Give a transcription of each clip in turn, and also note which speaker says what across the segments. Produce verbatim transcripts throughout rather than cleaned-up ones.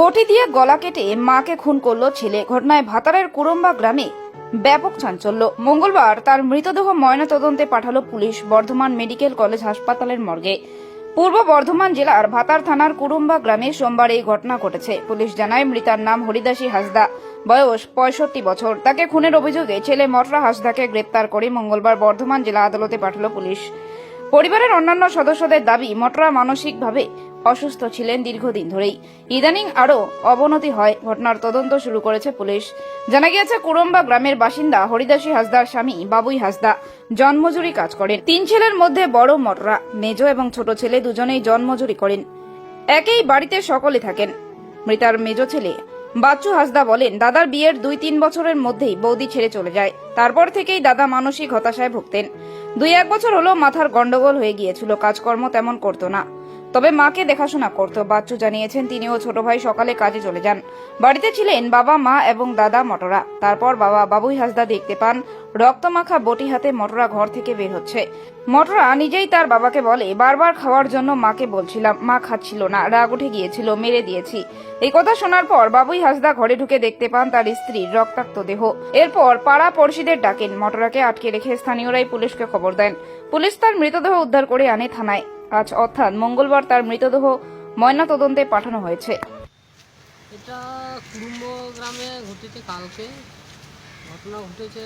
Speaker 1: বটি দিয়ে গলা কেটে মাকে খুন করল ছেলে। ঘটনায় ভাতারের কুরম্বা গ্রামে ব্যাপক চাঞ্চল্য। মঙ্গলবার তার মৃতদেহ ময়নাতদন্তে পাঠালো পুলিশ বর্ধমান মেডিকেল কলেজ হাসপাতালের মর্গে। পূর্ব বর্ধমান জেলার ভাতার থানার কুরুম্বা গ্রামে সোমবার এই ঘটনা ঘটেছে। পুলিশ জানায় মৃতার নাম হরিদাসী হাঁসদা, বয়স পঁয়ষট্টি বছর। তাকে খুনের অভিযোগে ছেলে মটরা হাঁসদাকে গ্রেপ্তার করে মঙ্গলবার বর্ধমান জেলা আদালতে পাঠালো পুলিশ। পরিবারের অন্যান্য সদস্যদের দাবি, মটরা মানসিকভাবে অসুস্থ ছিলেন দীর্ঘদিন ধরেই। ইদানিং আরও অবনতি হয়। ঘটনার তদন্ত শুরু করেছে পুলিশ। জানা গিয়েছে, কুরম্বা গ্রামের বাসিন্দা হরিদাসী হাঁসদার স্বামী বাবুই হাঁসদা জন্মজুরি কাজ করেন। তিন ছেলের মধ্যে বড় মটরা, মেজ এবং ছোট ছেলে দুজনেই জন্মজুরি করেন। একই বাড়িতে সকলে থাকেন। মৃতার মেজ ছেলে বাচ্চু হাঁসদা বলেন, দাদার বিয়ের দুই তিন বছরের মধ্যেই বৌদি ছেড়ে চলে যায়। তারপর থেকেই দাদা মানসিক হতাশায় ভুগতেন। দুই এক বছর হলো মাথার গন্ডগোল হয়ে গিয়েছিল, কাজকর্ম তেমন করতো না, তবে মাকে দেখাশোনা করত। বাচ্চু জানিয়েছেন, তিনি ও ছোট ভাই সকালে কাজে চলে যান। বাড়িতে ছিলেন বাবা, মা এবং দাদা মটরা। তারপর বাবা বাবুই হাঁসদা দেখতে পান রক্তমাখা বটি হাতে মটরা ঘর থেকে বের হচ্ছে। মটরা নিজেই তার বাবাকে বলে, বারবার খাওয়ার জন্য মাকে বলছিলাম, মা খাচ্ছিল না, রাগ উঠে গিয়েছিল, মেরে দিয়েছি। এই কথা শোনার পর বাবুই হাঁসদা ঘরে ঢুকে দেখতে পান তার স্ত্রীর রক্তাক্ত দেহ। এরপর পাড়া পড়শিদের ডাকেন। মটরাকে আটকে রেখে স্থানীয়রাই পুলিশকে খবর দেন। পুলিশ তার মৃতদেহ উদ্ধার করে আনে থানায়। আজ অর্থাৎ মঙ্গলবার তার মৃতদেহ ময়নাতদন্তে পাঠানো হয়েছে।
Speaker 2: এটা কুরুম্ব গ্রামে ঘটেছে। কালকে ঘটনা ঘটেছে।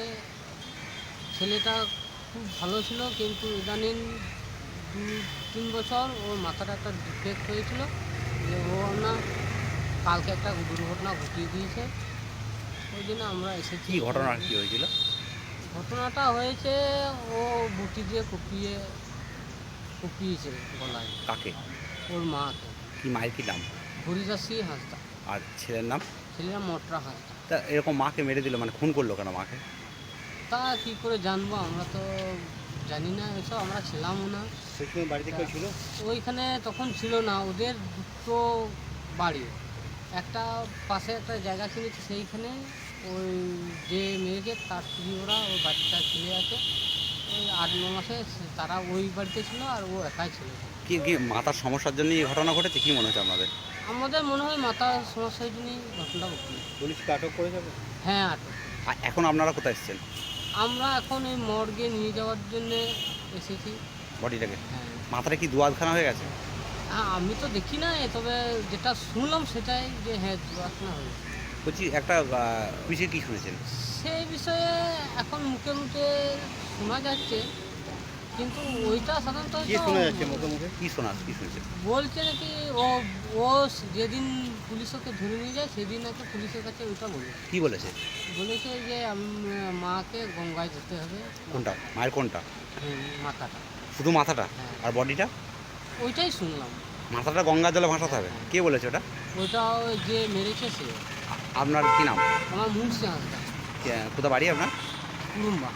Speaker 2: ছেলেটা খুব ভালো ছিল, কিন্তু ইদানিং দু তিন বছর ওর মাথাটা একটা ডিফেক্ট হয়েছিল, যে ও না কালকে একটা দুর্ঘটনা ঘটিয়ে দিয়েছে। ওই জন্য আমরা এসেছি।
Speaker 3: কি ঘটনা কি হয়েছিল?
Speaker 2: ঘটনাটা হয়েছে, ও বুটি দিয়ে কুপিয়ে কুপিয়েছে গলায়।
Speaker 3: কাকে?
Speaker 2: ওর মাকে।
Speaker 3: কি মায়ের কি নাম?
Speaker 2: হরিদাসী হাঁসদা।
Speaker 3: আর ছেলের নাম?
Speaker 2: ছেলেরা মটরা হাঁসদা।
Speaker 3: তা এরকম মাকে মেরে দিল, মানে খুন করলো কেন মাকে?
Speaker 2: তা কি করে জানবো, আমরা তো জানি না এসব, আমরা ছিলামও না।
Speaker 3: সেখানে বাড়িতে কেউ ছিল?
Speaker 2: ওইখানে তখন ছিল না। ওদের দুটো বাড়ি, একটা পাশে একটা জায়গা কিনেছে, সেইখানে ওই যে মেয়েকে তার স্ত্রী, ওরা ওই বাচ্চা ছেলে আছে, ওই আট ন মাসে তারা ওই বাড়িতে ছিল, আর ও একাই ছিল।
Speaker 3: কি কি মাথার সমস্যার জন্য এই ঘটনা ঘটেছে কি মনে হচ্ছে আপনাদের?
Speaker 2: আমাদের মনে হয় মাথার সমস্যার জন্যই ঘটনাটা ঘটল।
Speaker 3: পুলিশকে আটক করে যাবে?
Speaker 2: হ্যাঁ, আটক।
Speaker 3: আর এখন আপনারা কোথায় এসেছেন?
Speaker 2: আমরা এখন এই মর্গে নিয়ে যাওয়ার জন্য এসেছি
Speaker 3: বডিটাকে?
Speaker 2: হ্যাঁ।
Speaker 3: মাথাটা কি দুয়াদখানা হয়ে গেছে?
Speaker 2: হ্যাঁ, আমি তো দেখি না, তবে যেটা শুনলাম সেটাই, যে হ্যাঁ দুর্ঘটনা হয়েছে।
Speaker 3: বলছি, একটা বিষয়ে কি শুনেছেন?
Speaker 2: সেই বিষয়ে এখন মুখে মুখে শোনা যাচ্ছে, কিন্তু ওইটা সাধারণত
Speaker 3: কি শোনা যাচ্ছে মুখে মুখে? কি শোনা কি শুনছেন?
Speaker 2: বলছে নাকি ও ও যেদিন পুলিশ ওকে ধরে নিয়ে যায় সেদিন নাকি পুলিশের কাছে ওইটা বলে।
Speaker 3: কি বলেছে?
Speaker 2: বলেছে যে আমি মাকে গঙ্গায় যেতে হবে।
Speaker 3: কোনটা মায়ের কোনটা?
Speaker 2: হুম, মাথাটা।
Speaker 3: শুধু মাথাটা?
Speaker 2: হ্যাঁ।
Speaker 3: আর বডিটা?
Speaker 2: ওইটাই শুনলাম।
Speaker 3: মাথাটা গঙ্গা জলে ভাসাতে হবে? কে বলেছে ওটা?
Speaker 2: ওইটা ওই যে মেরেছে সে।
Speaker 3: আপনার কি নাম?
Speaker 2: আমার মুন্সি হাঁসদা।
Speaker 3: কোথা বাড়ি আপনার?
Speaker 2: কুরুম্বা।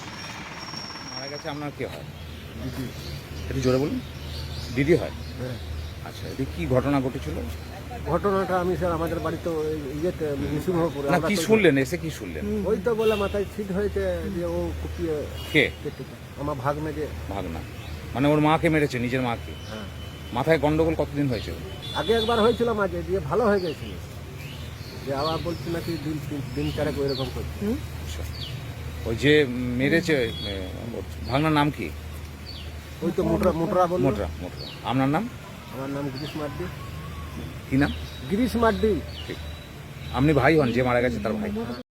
Speaker 4: মারা গেছে আপনার কে হয়? দিদি। একটু জোরে বলুন। দিদি হয়?
Speaker 5: হ্যাঁ।
Speaker 4: আচ্ছা, এটি কি ঘটনা ঘটেছিল?
Speaker 5: ঘটনাটা আমি স্যার আমাদের বাড়িতে ওই ইয়েতে নৃসিংহপুরে
Speaker 4: না,
Speaker 5: আমরা
Speaker 4: কি
Speaker 5: তো-
Speaker 4: শুনলেন, এসে কি শুনলেন?
Speaker 5: ওই তো বলে মাথায় ছিট হয়েছে, যে ও কুপিয়ে
Speaker 4: কে?
Speaker 5: কেটে আমার ভাগ্নে যে।
Speaker 4: ভাগনা? মানে ওর মাকে মেরেছে, নিজের মাকে?
Speaker 5: হ্যাঁ,
Speaker 4: মাথায় গন্ডগোল কতদিন হয়েছে?
Speaker 5: আগে একবার হয়েছিল মাঝে, দিয়ে ভালো হয়ে গেছিল, যে আবার বলছি নাকি দিন তিন- দিন চারেক ওইরকম করছে।
Speaker 4: আচ্ছা, ওই যে মেরেছে এ, ওর ভাগনার নাম কি?
Speaker 5: ওই তো মোটরা মোটরা বলল।
Speaker 4: মোটরা। মোটরা। আপনার নাম?
Speaker 5: আমার নাম গিরিশ মার্ডি।
Speaker 4: কি নাম?
Speaker 5: গিরিশ মার্ডি।
Speaker 4: ঠিক। আপনি ভাই হন যে মারা গেছে তার ভাই?